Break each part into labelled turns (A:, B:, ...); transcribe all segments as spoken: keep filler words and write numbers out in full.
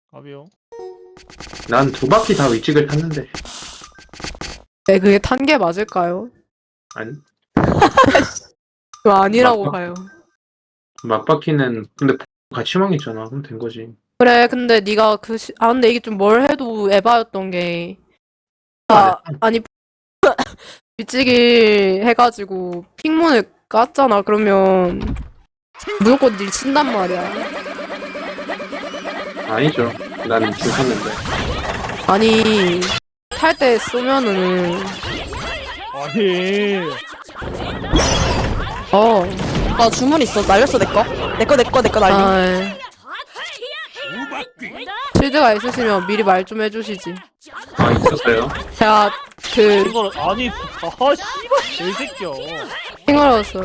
A: 가비요.
B: 난 두 바퀴 다 위직을 탔는데.
C: 네, 그게 탄 게 맞을까요?
B: 아니,
C: 그거 아니라고
B: 맞다.
C: 봐요.
B: 막바퀴는 근데 같이 망했잖아. 그럼 된 거지.
C: 그래, 근데 네가 그 시... 아 근데 이게 좀 뭘 해도 에바였던 게
B: 안
C: 아, 아니 미치기 해가지고 핑문을 깠잖아. 그러면 무조건 닐 친단 말이야.
B: 아니죠. 나는 줄 탔는데.
C: 아니 탈 때 쏘면은
A: 아니.
C: 어
D: 나 주문 있어. 날렸어, 내꺼. 내꺼, 내꺼, 내꺼 날림.
C: 아, 필드가 있으시면 미리 말 좀 해주시지.
B: 아, 있었어요.
C: 제가 그
A: 이걸 아니. 아 씨발 개새끼야.
C: 핑얼었어.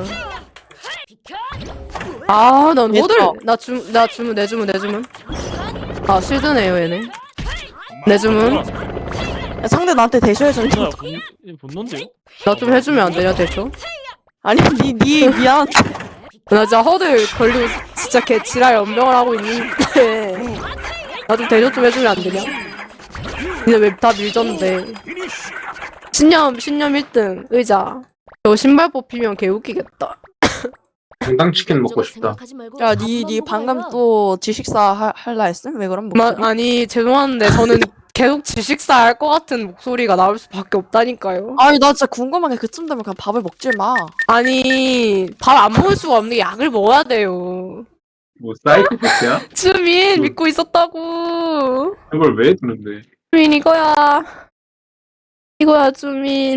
C: 아, 난
D: 얘들아.
C: 호들 나 주, 나 주문 내 주문 내 주문. 아 실드네요 얘네. 내 주문.
D: 야, 상대 나한테 대셔해준다.
A: 뭐야 본 본론데요?
C: 나 좀 해주면 안 되냐 대충?
D: 아니, 니, 니, 미안.
C: 나 진짜 허들 걸리고 진짜 개 지랄 연병을 하고 있는데 나 좀 대접 좀 해주면 안 되냐? 근데 왜 다 밀졌는데 신념 신념 일 등 의자 저 신발 뽑히면 개 웃기겠다.
B: 당당치킨 먹고 싶다.
D: 야, 니, 니 방금 또 지식사 하, 할라 했음? 왜 그럼
C: 마,
D: 목소리?
C: 아니 죄송한데 저는 계속 지식사 할 것 같은 목소리가 나올 수밖에 없다니까요.
D: 아니, 나 진짜 궁금한 게 그쯤 되면 그냥 밥을 먹질 마.
C: 아니 밥 안 먹을 수가 없는 게 약을 먹어야 돼요.
B: 뭐 사이코패스야?
C: 주민
B: 뭐.
C: 믿고 있었다고.
B: 이걸 왜 듣는데?
C: 주민 이거야. 이거야 주민.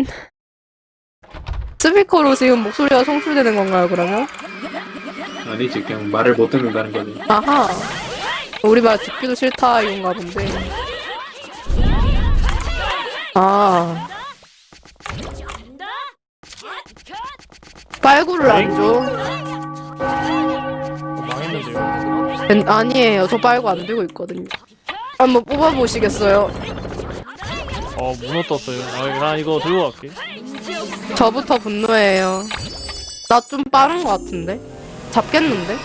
C: 스피커로 지금 목소리가 송출되는 건가요 그러면?
B: 아니지, 그냥 말을 못 듣는다는 거지.
C: 아하. 우리 말 듣기도 싫다 이건가 본데. 아. 빨구를 안 줘?
A: 망했는데요.
C: 엔- 아니에요. 저 빨구 안 들고 있거든요. 한번 뽑아보시겠어요?
A: 어 문어 떴어요. 아, 나 이거 들고 갈게.
C: 저부터 분노해요. 나 좀 빠른 것 같은데? 잡겠는데?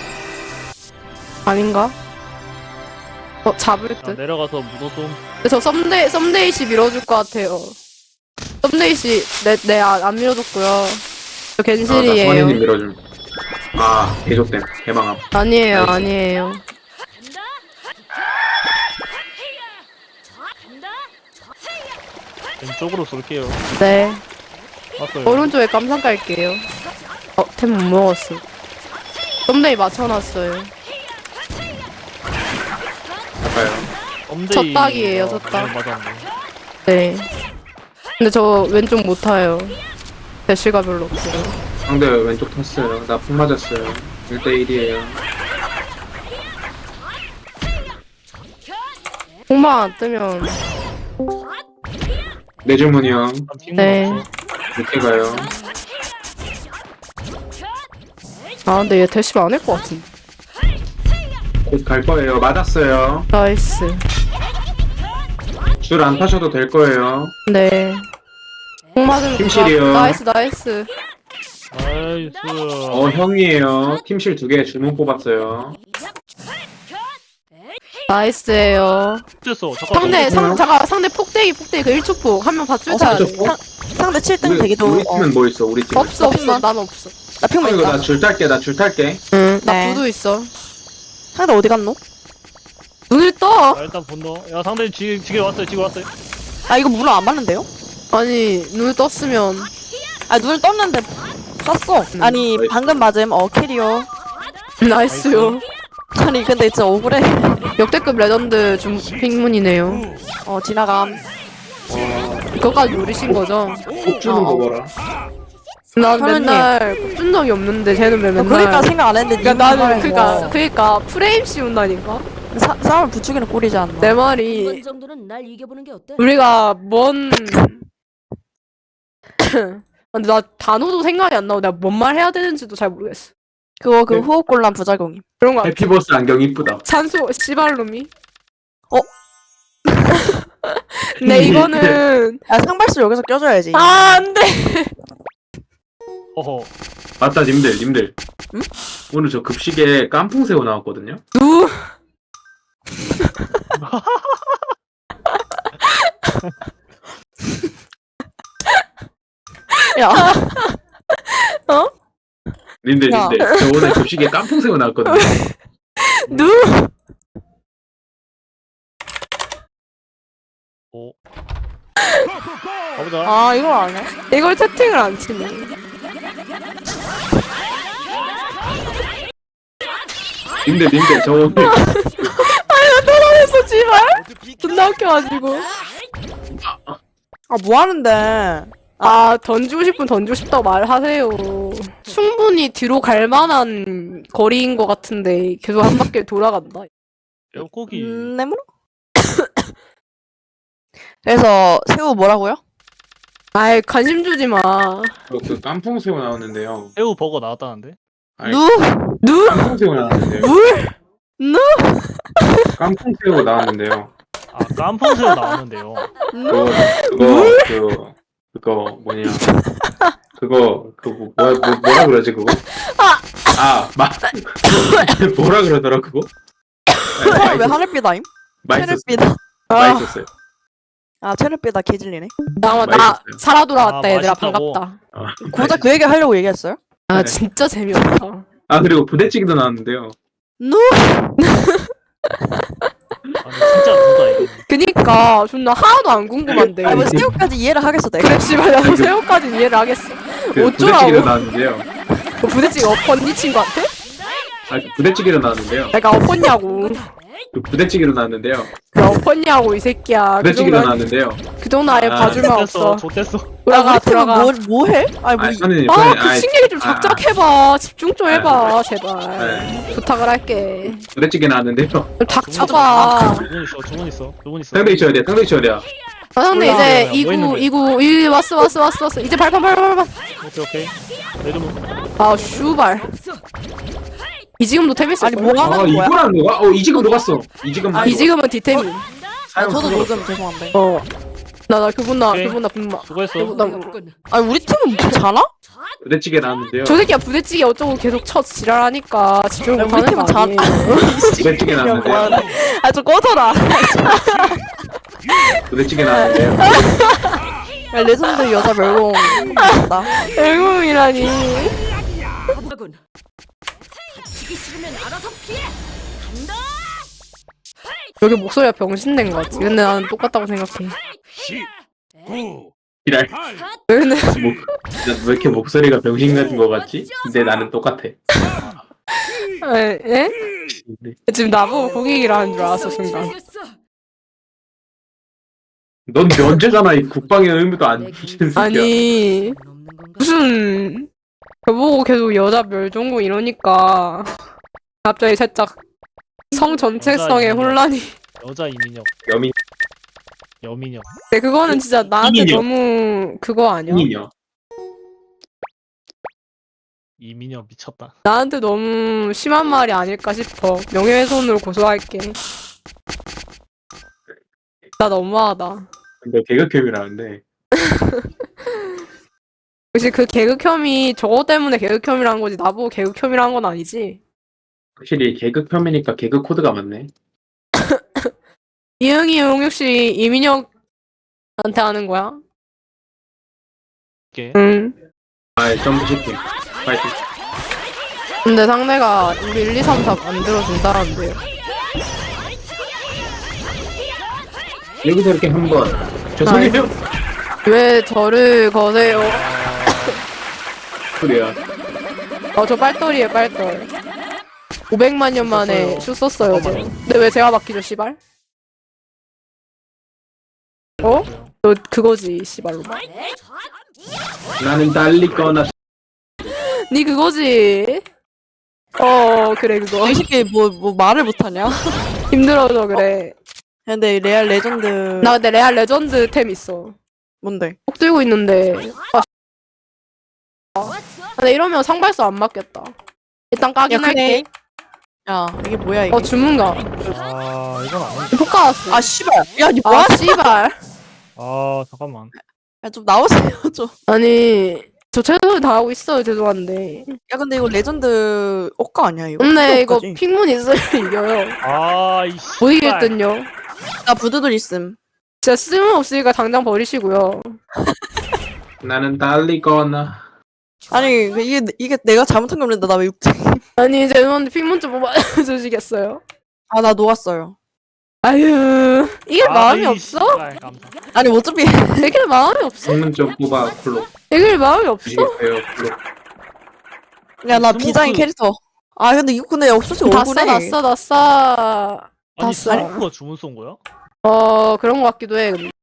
C: 아닌가? 어, 잡을
A: 아,
C: 듯?
A: 내려가서 문어 좀.
C: 근데 저 썸데이, 썸데이씨 밀어줄 것 같아요. 썸데이씨, 내, 내, 안, 안 밀어줬고요. 저
B: 아, 나
C: 겐실이에요.
B: 선생님 밀어줌. 아, 개족됨. 개망함.
C: 아니에요,
B: 나이스.
C: 아니에요.
A: 왼쪽으로 쏠게요.
C: 네.
A: 왔어요.
C: 오른쪽에 깜상 깔게요. 어, 템 못 먹었어. 썸데이 맞춰놨어요.
B: 가까요.
A: 엄데이.
C: 젖박이에요,
A: 아,
C: 젖박.
A: 네, 맞았네.
C: 네. 근데 저 왼쪽 못 타요. 대시가 별로 없어요.
B: 상대 왼쪽 탔어요. 나 폭 맞았어요. 일 대 일이에요.
C: 공방 안 뜨면
B: 내 주문이요.
A: 한 핑
C: 네.
A: 먹었어.
B: 늦게 가요.
C: 아 근데 얘 대시 안 할 것 같은데.
B: 곧 갈 거예요. 맞았어요.
C: 나이스.
B: 줄 안 타셔도 될 거예요.
C: 네. 공 맞으면
B: 팀실이요.
C: 나- 나이스 나이스.
A: 나이스.
B: 어, 형이에요. 팀실 두 개 주문 뽑았어요.
C: 나이스예요.
A: 됐어. 잠깐.
C: 상대 상
B: 뭐야?
C: 잠깐 상대 폭대기 폭대기 그 일 초 폭 한 명 받줄 줄
D: 어,
C: 알아.
B: 저- 어?
D: 상대 칠 등
B: 우리,
D: 되기도.
B: 우리
D: 어.
B: 팀은 뭐 있어? 우리 팀.
C: 없어 없어 난 없어.
D: 나
B: 어,
D: 핑문
B: 이거
D: 있다.
B: 나 줄 탈게. 나 줄 탈게.
C: 응. 나
D: 네.
C: 부두 있어.
D: 상대 어디 갔노?
C: 눈을 떠.
A: 아, 일단 분노. 야 상대 지 지게 왔어요. 지게 왔어요.
D: 아, 이거 문어 안 맞는데요?
C: 아니 눈을 떴으면
D: 아, 눈을 떴는데 쐈어. 아니,
B: 나이스.
D: 방금 맞음. 어, 캐리어.
C: 나이스요.
D: 아니, 근데 진짜 억울해.
C: 역대급 레전드 중 핑문이네요.
D: 어, 지나감.
C: 그거까지 노리신 거죠?
B: 꼭 주는 거 봐라.
C: 난
D: 현우님.
C: 맨날 꼽준 적이 없는데 쟤는 왜
D: 어,
C: 맨날
D: 그러니까 생각 안 했는데.
C: 그러니까
D: 니
C: 나는
D: 정말
C: 그니까
D: 뭐
C: 그니까 프레임 씌운다니까
D: 사, 싸움을 부추기는 꼴이지 않나?
C: 내
E: 이번
C: 말이
E: 정도는 날 이겨보는 게 어때?
C: 우리가 뭔 근데 나 단어도 생각이 안 나고 내가 뭔 말 해야 되는지도 잘 모르겠어.
D: 그거 그
B: 네.
D: 호흡곤란 부작용임.
C: 그런 거 같아.
B: 해피버스 안경 이쁘다.
C: 산소 씨발놈이.
D: 어?
C: 근데 이거는
D: 야, 상발수 여기서 껴줘야지.
C: 아 안돼.
A: 허허.
B: 맞다, 님들, 님들.
D: 응?
B: 오늘 저 급식에 깐풍새우 나왔거든요?
C: 누
D: 야,
B: 님들
D: 야.
B: 님들 저 오늘 급식에 깐풍새우 나왔거든요.
C: 누?
A: 오. 가보자.
D: 아 이걸 안 해?
C: 이걸 채팅을 안 치네.
B: 님들 님들 저 오늘
C: 떨어졌어, 씨발. 존나 웃겨가지고.
D: 아 뭐 하는데?
C: 아, 던지고 싶으면 던지고 싶다고 말하세요. 충분히 뒤로 갈 만한 거리인 것 같은데 계속 한 바퀴 돌아간다.
A: 뼈고기.
D: 음, 네모로? 그래서 새우 뭐라고요?
C: 아이, 관심 주지 마.
B: 저 그 깐풍새우 나왔는데요.
A: 새우 버거 나왔다는데?
B: 아니,
D: 누?
C: 누?
B: 깐풍새우 나왔는데요.
C: 물?
D: 누?
B: 깐풍새우 나왔는데요.
A: 아 깐풍새우 나왔는데요.
B: 그거 그거 그 그거 뭐냐 그거 그거 뭐, 뭐 뭐라 그러지 그거 아마 뭐라 그러더라 그거
D: 아, 왜 하늘비다임?
B: 맛있었어
D: 체르비다.
C: 아,
B: 맛있었어요.
D: 아 체르비다 개질리네.
C: 잠깐만, 나
B: 맛있었어요.
C: 살아 돌아왔다,
A: 아,
C: 얘들아.
A: 맛있다고?
C: 반갑다.
B: 어,
D: 고작 그 얘기 하려고 얘기했어요?
C: 아,
B: 네.
C: 진짜 재미없다.
B: 아 그리고 부대찌개도 나왔는데요.
D: 누?
A: 아니 진짜 누가 이거.
C: 그니까, 존나 하나도 안 궁금한데.
D: 아, 뭐 새우까지 이해를 하겠어 내가.
C: 그래, 씨발, 나도 새우까지 이해를 하겠어.
B: 그
C: 어쩌라고?
B: 부대찌개도 나왔는데요.
C: 뭐 부대찌개 엎었니, 친구한테?
B: 아 그 부대찌개도 나왔는데요.
C: 내가 엎었냐고.
B: 그 부대찌개도 나왔는데요.
C: 나 엎었냐고, 이 새끼야. 그
B: 부대찌개도
C: 정도,
B: 나왔는데요.
C: 그 정도 아예
B: 아,
C: 봐줄 만
A: 좋댔어.
C: 없어.
A: 좋댔어.
C: 돌아가,
D: 우리 팀은
C: 돌아가.
D: 뭐, 뭐 해? 아니 뭐
B: 아 선생님
C: 아,
B: 선생님
C: 그
B: 아이,
C: 친 얘기 좀
B: 아,
C: 작작 해봐. 집중 좀 해봐,
B: 아,
C: 제발.
B: 네.
C: 부탁을 할게.
B: 부대찌개 나왔는데요.
C: 좀 닥쳐봐.
A: 두분 있어. 두분 있어. 두분 있어.
B: 상대 있어야 돼. 상대 있어야 돼.
C: 아, 상대
A: 올라가면
C: 이제
A: 뭐
C: 이구,
A: 있는데?
C: 이구, 이 왔어, 왔어, 왔어, 왔어. 이제 발판, 발판, 발판.
A: 오케이 오케이. 내려놓.
C: 아, 슈발. 이 지금도 템했어.
D: 아니 뭐
B: 아
D: 하는 거야?
B: 이거랑 녹아? 어 이지금 녹았어. 이지금
C: 이 지금은 디템이.
D: 아,
B: 사용
D: 저도
B: 그거.
D: 요즘 죄송한데.
C: 어. 나, 나 그분 나,
A: 오케이.
C: 그분 나, 그분 나.
A: 수고했어.
C: 나,
D: 아니 우리 팀은 뭐 자나?
B: 부대찌개 나왔는데요.
C: 저 새끼야 부대찌개 어쩌고 계속 쳐 지랄하니까 집중
D: 야, 우리
C: 못하는
D: 팀은
C: 거
D: 자-
C: 아니에요.
B: 부대찌개 나왔는데요.
D: 아좀 꺼져라.
B: 부대찌개 나왔는데요.
D: 야, 레전드 여자 멸공 있다.
C: 외국이라니.
E: 하군. 다치기 싫으면 알아서 피해. 간다.
C: 여기 목소리가 병신된 거 같지. 근데 나는 똑같다고 생각해.
B: 이랄.
C: 왜 근데
B: 뭐, 왜 이렇게 목소리가 병신 같은 거 같지? 근데 나는 똑같아.
C: 에? 에? 지금 나보고 고객이라는 줄 알았어 순간.
B: 넌 면제잖아. 이 국방의 의무도 안 지키는 새끼야.
C: 아니 무슨 저보고 계속 여자 멸종고 이러니까 갑자기 살짝 성 전체성의
A: 여자
C: 혼란이.
A: 여자 이민혁.
B: 여민
A: 여민혁.
C: 근데 그거는 진짜 나한테
B: 이민혁.
C: 너무 그거 아니야?
B: 이민요.
A: 이민혁 미쳤다.
C: 나한테 너무 심한 말이 아닐까 싶어. 명예훼손으로 고소할게. 나 너무하다.
B: 근데 개그캠이라는데.
C: 혹시 그 개그 혐의 저거 때문에 개그 혐의라는 거지 나보고 개그 혐의라는 건 아니지?
B: 확실히 개그 폄이니까 개그 코드가 많네.
C: 이응이 응 혹시 이민혁한테 하는 거야?
A: 이게
C: 응.
B: 아, 점프 시팅. 파이팅.
C: 근데 상대가 우리 일, 이, 삼, 사 만들어준다는데요.
B: 여기서 이렇게 한번 죄송해요.
C: 왜 저를 거세요?
B: 그래요.
C: 어, 저 빨돌이에요, 빨돌. 오백만 년 만에 슛 썼어요, 저. 근데 왜 제가 막히죠, 씨발? 어? 너 그거지, 씨발로.
B: 나는 달리거나
C: 니 그거지? 어, 그래, 그거.
D: 이 새끼 뭐, 뭐 말을 못하냐?
C: 힘들어서 그래.
D: 근데 레알 레전드
C: 나 근데 레알 레전드 템 있어.
D: 뭔데?
C: 꼭 들고 있는데. 아, 아, 근데 이러면 상발수 안 맞겠다. 일단 까긴
D: 야,
C: 할게.
D: 야 이게 뭐야 이게?
C: 어, 주문가.
A: 아 이건 아닌데.
C: 효과 왔어.
D: 아 씨발. 야니 뭐야?
C: 아, 씨발.
A: 아 잠깐만.
D: 야 좀 나오세요 좀.
C: 아니, 저 최선을 다하고 있어요, 죄송한데.
D: 야 근데 이거 레전드 억가 아니야 이거?
C: 근데 이거
D: 억가지.
C: 픽문 있으면 이겨요.
A: 아이
C: 못 이길 듯요.
D: 나 부두들 있음.
C: 진짜 쓸모없으니까 당장 버리시고요.
B: 나는 달리거나.
D: 아니 이게 이게 내가 잘못한 게 없는데 나 왜 육등?
C: 아니 죄송한데 픽문 좀 뽑아주시겠어요?
D: 아 나 녹았어요.
C: 아유 이게 마음이 없어?
A: 씨발, 감사.
D: 아니 어차피
C: 이길 마음이 없어?
B: 성능 좀 뽑아 콜로.
C: 이길 마음이 없어?
B: 이게요 콜로.
D: 야 나
A: 스모크.
D: 비장의 캐릭터. 아 근데 이거 근데 없어서
C: 다
D: 억울해.
C: 써, 다 써, 다 써.
A: 아니
C: 다 써.
A: 스모크가 주문 쏜 거야?
C: 어 그런 것 같기도 해. 근데.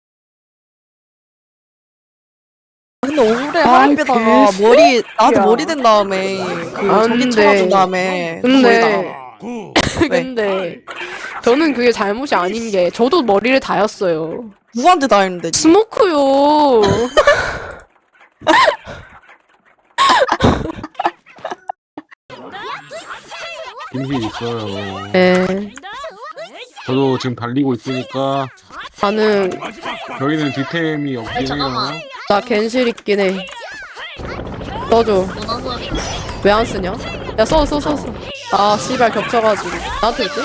D: 근데 억울해.
C: 아,
D: 하얀빛다가
C: 개
D: 머리 나한테
C: 야.
D: 머리 된 다음에 그
C: 안
D: 전기
C: 돼.
D: 쳐준 다음에
C: 근데
D: 거기다가
C: 근데 저는 그게 잘못이 아닌 게 저도 머리를 다였어요.
D: 누구한테 다 했는데?
C: 스모크요.
F: 김실 있어요.
C: 네.
F: 저도 지금 달리고 있으니까
C: 나는
F: 저희는 뒷템이 없긴 해요.
C: 나 겐실 있긴 해. 써줘. 왜 안 쓰냐? 야 써 써 써 써. 아 씨발 겹쳐가지고 나한테 있지?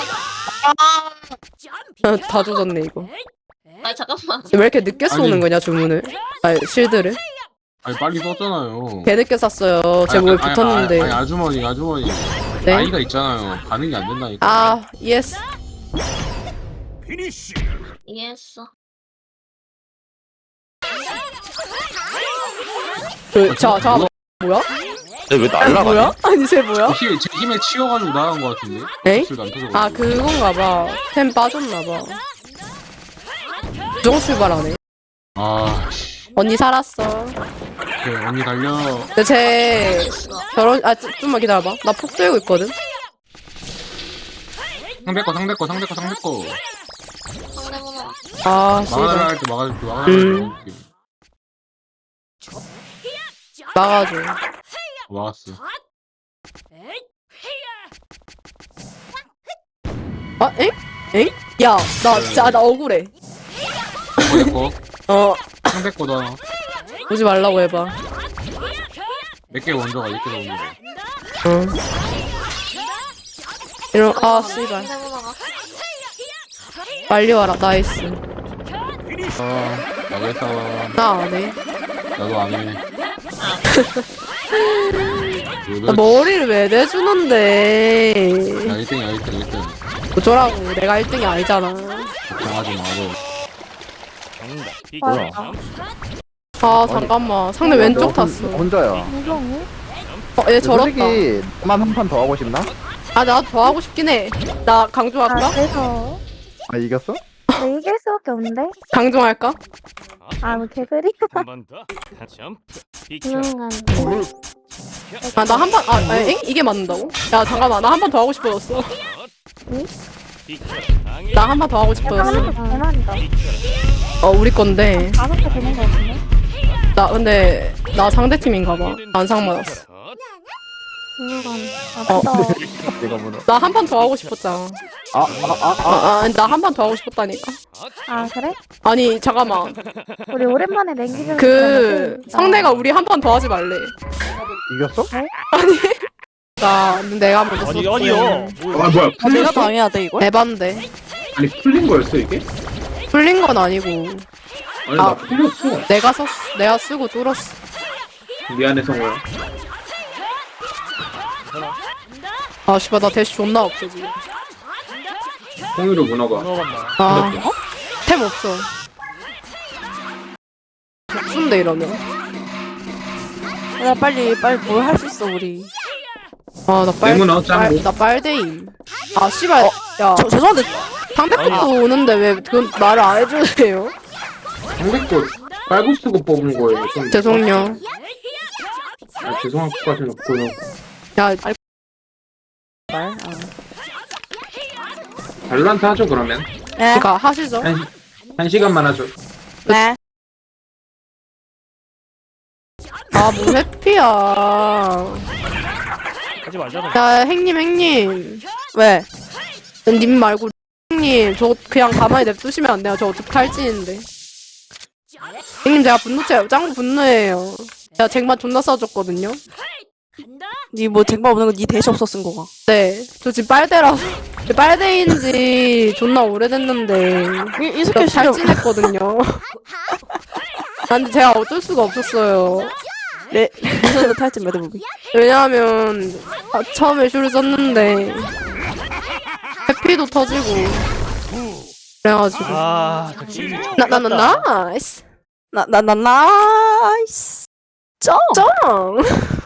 C: 아, 다 조졌네 이거.
G: 아 잠깐만.
C: 왜 이렇게 늦게 쏘는
F: 아니.
C: 거냐 주문을? 아 실드를?
F: 아니 빨리 썼잖아요.
C: 개 늦게 쐈어요. 제
F: 아니,
C: 몸에
F: 아니,
C: 붙었는데.
F: 아니, 아니 아주머니 아주머니
C: 네?
F: 나이가 있잖아요. 반응이 안 된다니까.
C: 아 예스.
G: 이해했어.
C: 그자 자 뭐야?
H: 왜
C: 아,
H: 날라가냐?
C: 뭐야? 아니 쟤 뭐야?
F: 힘, 제 힘에 치여가지고 나간 것 같은데.
C: 에이?
F: 목소리가 안 터져가지고.
C: 아 그건가 봐. 템 빠졌나 봐. 부정 출발하네.
F: 아, 씨.
C: 언니 살았어.
F: 오케이, 언니 달려.
C: 근데 쟤 결혼 아 좀- 좀만 기다려봐. 나 폭 들고 있거든.
F: 상대 거 상대 거 상대 거 상대 거.
G: 상대번호.
C: 아
F: 막아달라
C: 씨발
F: 할 때 막아줄게 막아달라
C: 음.
F: 할때
C: 막아줘.
F: 막았어.
C: 아 엥? 엥? 야 나 진짜 나 억울해.
F: 상대 거
C: 어
F: 상대 거도 하나.
C: 오지 말라고 해봐.
F: 몇 개 먼저 가, 몇 개 먼저 가.
C: 응. 이런 아 씨발
G: 상대번호가.
C: 빨리 와라 나이스.
F: 아, 나왜 싸워?
C: 나 안 해.
F: 나도 안 해.
C: 나 머리를 왜 내주는데?
F: 야, 일 등이야, 일 등, 일 등.
C: 어쩌라고 내가 일 등이 아니잖아.
F: 걱정하지 마고.
H: 뭐야?
C: 아 잠깐만 상대 왼쪽 탔어.
I: 혼자야.
C: 어 얘 저렇다.
I: 솔직히 나만 한 판 더 하고 싶나?
C: 아 나 더 하고 싶긴 해. 나 강조할까?
J: 아, 그래서
I: 아 이겼어?
J: 네, 이길 수밖에 없는데?
C: 강조할까?
J: 아, 뭐 개소리? 조용한.
C: 아 나 한 번 아 아니, 엥? 이게 맞는다고? 야 잠깐만 나 한 번 더 하고 싶어졌어. 나 한 번 더 하고 싶어졌어.
J: 하는 거 대만이다.
C: 어 우리 건데
J: 다섯 개 되는 거 같은데?
C: 나 근데 나 상대 팀인가 봐. 안상 맞았어.
J: 조용한.
C: 어.
J: 아,
I: 내가 뭐라?
C: 나 한 판 더 하고 싶었잖아.
I: 아아아 아, 아,
C: 아, 아, 나 한 판 더 하고 싶었다니까.
J: 아, 그래?
C: 아니 잠깐만.
J: 우리 오랜만에 랭기를
C: 그 상대가 우리 한 판 더 하지 말래.
I: 이겼어?
C: 나 내가 먼저
A: 아니
C: 썼고.
A: 아니요. 뭐야?
B: 아 뭐야?
D: 아, 내가
B: 풀렸어?
D: 당해야 돼 이걸?
C: 에반데
B: 아니 풀린 거였어 이게?
C: 풀린 건 아니고
B: 아니
C: 아.
B: 나 풀렸어.
C: 내가 썼 내가 쓰고 뚫었어.
B: 미안해 성호야.
C: 아 씨발 나 대시 존나 없어 지금.
B: 홍유로 문어가.
A: 들어간다.
C: 아 템 없어. 순데 이러면.
D: 야 빨리 빨리 뭘 할 수 있어 우리.
C: 아나 빨.
B: 내문어 짱구.
C: 나 빨대임. 아 씨발 야
D: 저 죄송한데
C: 상대편도 오는데 왜 그건 말을 안 해주세요?
B: 상대 거 빨고 쓰고 뽑은 거예요. 좀
C: 죄송요.
B: 아, 죄송할 것까지는 없고요.
C: 야
D: 말. 아.
B: 발란트 하죠 그러면.
D: 네.
C: 그니까 하시죠.
B: 한, 한 시간만 하죠.
D: 네.
C: 아뭐 회피야.
A: 하지 말자고.
C: 야 행님 행님.
D: 왜?
C: 님 말고 형님 저 그냥 가만히 냅두시면 안 돼요. 저 어차피 탈진인데. 형님 제가 분노체 짱구 분노해요. 제가 쟁반 존나 써줬거든요.
E: 간다.
D: 니뭐 쟁반 없는 거니 대시 없어 쓴 거가.
C: 네, 저 지금 빨대라서 빨대인지 존나 오래됐는데
D: 이, 이
C: 저
D: 새끼 진짜
C: 탈진했거든요. 아, 근데 제가 어쩔 수가 없었어요.
D: 레 리전드 탈진 매듭무비.
C: 왜냐하면 아, 처음에 슈를 썼는데 해피도 터지고 그래가지고
A: 아, 저 게임이
C: 나 나 나 나이스
D: 나나 나 나이스. 점.
C: 짱